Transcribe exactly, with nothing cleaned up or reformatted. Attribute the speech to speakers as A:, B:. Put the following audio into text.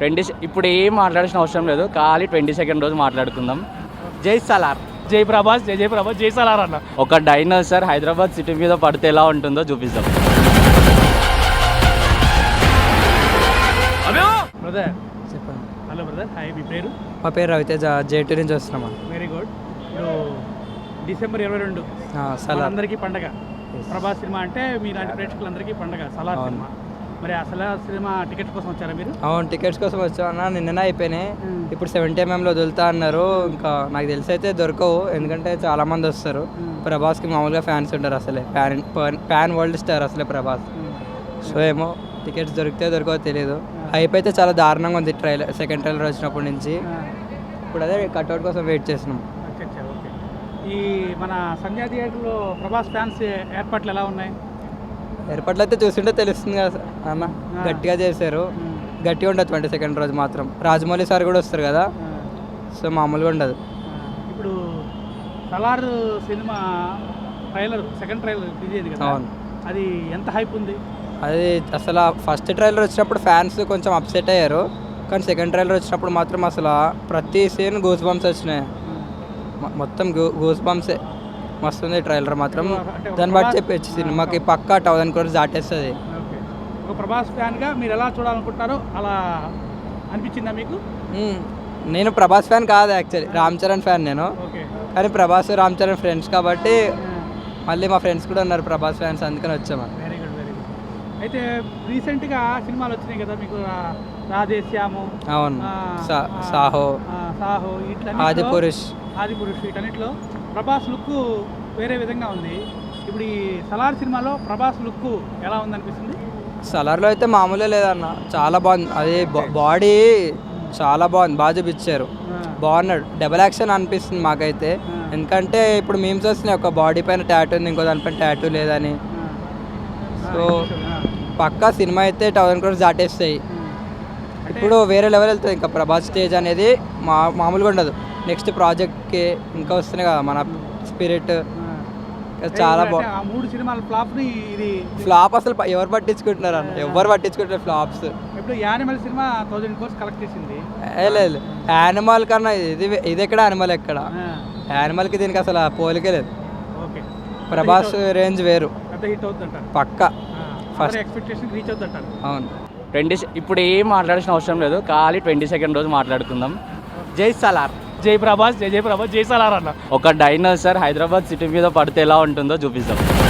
A: Twenty ఇప్పుడు ఏం మాట్లాడాల్సిన అవసరం లేదు, ఖాళీ ట్వంటీ సెకండ్ రోజు మాట్లాడుకుందాం. జై సలార్,
B: జై ప్రభాస్, జై జై ప్రభాస్, జై సలార్ అన్న.
A: ఒక డైనోసార్ హైదరాబాద్ సిటీ మీద పడితే ఎలా ఉంటుందో చూపిస్తాం.
B: బ్రదర్
C: చెప్పండి.
B: హలో బ్రదర్, హాయ్, మీ పేరు?
C: మా పేరు రవితేజ, జేటూ నుంచి వస్తున్నామా.
B: Very good. ఇప్పుడు డిసెంబర్ ఇరవై రెండు
C: సలార్
B: అందరికీ పండగ. ప్రభాస్ సినిమా అంటే మీలాంటి ప్రేక్షకులందరికీ పండగ. సలార్ సినిమా, మరి ఆ సలార్ సినిమా టికెట్స్ కోసం వచ్చారా మీరు?
C: అవును, టికెట్స్ కోసం వచ్చామన్నా. నిన్ననే అయిపోయినాయి. ఇప్పుడు సెవెంటీ ఎంఎంలో వదులుతా అన్నారు. ఇంకా నాకు తెలిసి అయితే దొరకవు, ఎందుకంటే చాలా మంది వస్తారు. ప్రభాస్కి మామూలుగా ఫ్యాన్స్ ఉంటారు, అసలే ఫ్యాన్ ఫ్యాన్ వరల్డ్ స్టార్ అసలే ప్రభాస్. సో ఏమో టికెట్స్ దొరికితే దొరకవో తెలియదు. హైప్ అయితే చాలా దారుణంగా ఉంది ట్రైలర్, సెకండ్ ట్రైలర్ వచ్చినప్పటి నుంచి. ఇప్పుడు అదే కట్అవుట్ కోసం వెయిట్ చేస్తున్నాం.
B: ఓకే. ఈ మన సంధ్యా థియేటర్లో ప్రభాస్ ఫ్యాన్స్ ఏర్పాట్లు ఎలా ఉన్నాయి?
C: ఏర్పాట్లు అయితే చూస్తుంటే తెలుస్తుంది కదా అన్న, గట్టిగా చేశారు. గట్టిగా ఉండదు ట్వంటీ సెకండ్ రోజు మాత్రం. రాజమౌళి సార్ కూడా వస్తారు కదా, సో మామూలుగా ఉండదు.
B: ఇప్పుడు సలార్ సినిమా ట్రైలర్, సెకండ్ ట్రైలర్ రిలీజ్ అయింది కదా,
C: అవును.
B: అది ఎంత హైప్ ఉంది?
C: అది అసలు ఫస్ట్ ట్రైలర్ వచ్చినప్పుడు ఫ్యాన్స్ కొంచెం అప్సెట్ అయ్యారు, కానీ సెకండ్ ట్రైలర్ వచ్చినప్పుడు మాత్రం అసలు ప్రతి సీన్ గూస్ బంప్స్ వచ్చినాయి. మొత్తం గూ గూస్ బంప్సే. మస్తుంది ట్రైలర్ మాత్రం. దాన్ని బట్టి చెప్పచ్చు సినిమాకి పక్కా థౌసండ్ క్రోర్స్ దాటేస్తుంది.
B: ఓకే. ఒక ప్రభాస్ ఫ్యాన్గా మీరు ఎలా చూడాలనుకుంటారో అలా అనిపించిందా మీకు?
C: నేను ప్రభాస్ ఫ్యాన్ కాదు యాక్చువల్లీ, రామ్ చరణ్ ఫ్యాన్ నేను.
B: ఓకే.
C: కానీ ప్రభాస్ రామ్ చరణ్ ఫ్రెండ్స్ కాబట్టి మళ్ళీ మా ఫ్రెండ్స్ కూడా ఉన్నారు ప్రభాస్ ఫ్యాన్స్, అందుకని వచ్చాము.
B: Very good, very good. అయితే రీసెంట్గా సినిమాలు వచ్చినాయి కదా మీకు, రాధేశ్యాము,
C: అవును, సాహో,
B: సాహో, ఇట్లా
C: ఆది పురుష్
B: ఆది పురుష్ వీటన్నిటిలో ప్రభాస్ లుక్ వేరే విధంగా ఉంది. ఇప్పుడు ఈ సలార్ సినిమాలో ప్రభాస్ లుక్ ఎలా ఉందనిపిస్తుంది?
C: సలార్లో అయితే మామూలే లేదన్న, చాలా బాగుంది. అది బాడీ చాలా బాగుంది, బాగా చూపించారు, బాగున్నాడు. డబల్ యాక్షన్ అనిపిస్తుంది మాకైతే, ఎందుకంటే ఇప్పుడు మీమ్స్ వస్తున్నాయి, ఒక బాడీ పైన టాటూ ఉంది, ఇంకో దానిపైన టాటూ లేదని. సో పక్కా సినిమా అయితే థౌసండ్ క్రోర్స్ దాటేస్తాయి. ఇప్పుడు వేరే లెవెల్ వెళ్తుంది. ఇంకా ప్రభాస్ స్టేజ్ అనేది మా మామూలుగా ఉండదు. నెక్స్ట్ ప్రాజెక్ట్కి ఇంకా వస్తున్నాయి కదా మన స్పిరిట్, చాలా బాగుంది.
B: మూడు సినిమాల ఫ్లాప్ ఇది
C: ఫ్లాప్ అసలు ఎవరు పట్టించుకుంటున్నారు అన్న, ఎవరు పట్టించుకుంటారు ఫ్లాప్స్.
B: ఇప్పుడు Animal cinema thousand crores collect చేసింది.
C: లేదు, యానిమల్ కన్నా ఇది ఇది ఎక్కడ, యానిమల్ ఎక్కడ, యానిమల్కి దీనికి అసలు పోలికే లేదు.
B: ఓకే.
C: ప్రభాస్ రేంజ్ వేరు,
B: పెద్ద హిట్ అవుతుందంటారు
C: పక్కా.
B: ఫస్ట్ ఎక్స్పెక్టేషన్ రీచ్ అవుతుందంటారు.
C: అవును.
A: ట్వంటీ ఇప్పుడు ఏం మాట్లాడాల్సిన అవసరం లేదు, ఖాళీ ట్వంటీ సెకండ్ రోజు మాట్లాడుకుందాం. జై సలార్,
B: జై ప్రభాస్, జై జై ప్రభాస్, జై సలార్ అన్న.
A: ఒక డైనోసార్ హైదరాబాద్ సిటీ మీద పడితే ఎలా ఉంటుందో చూపిస్తాం.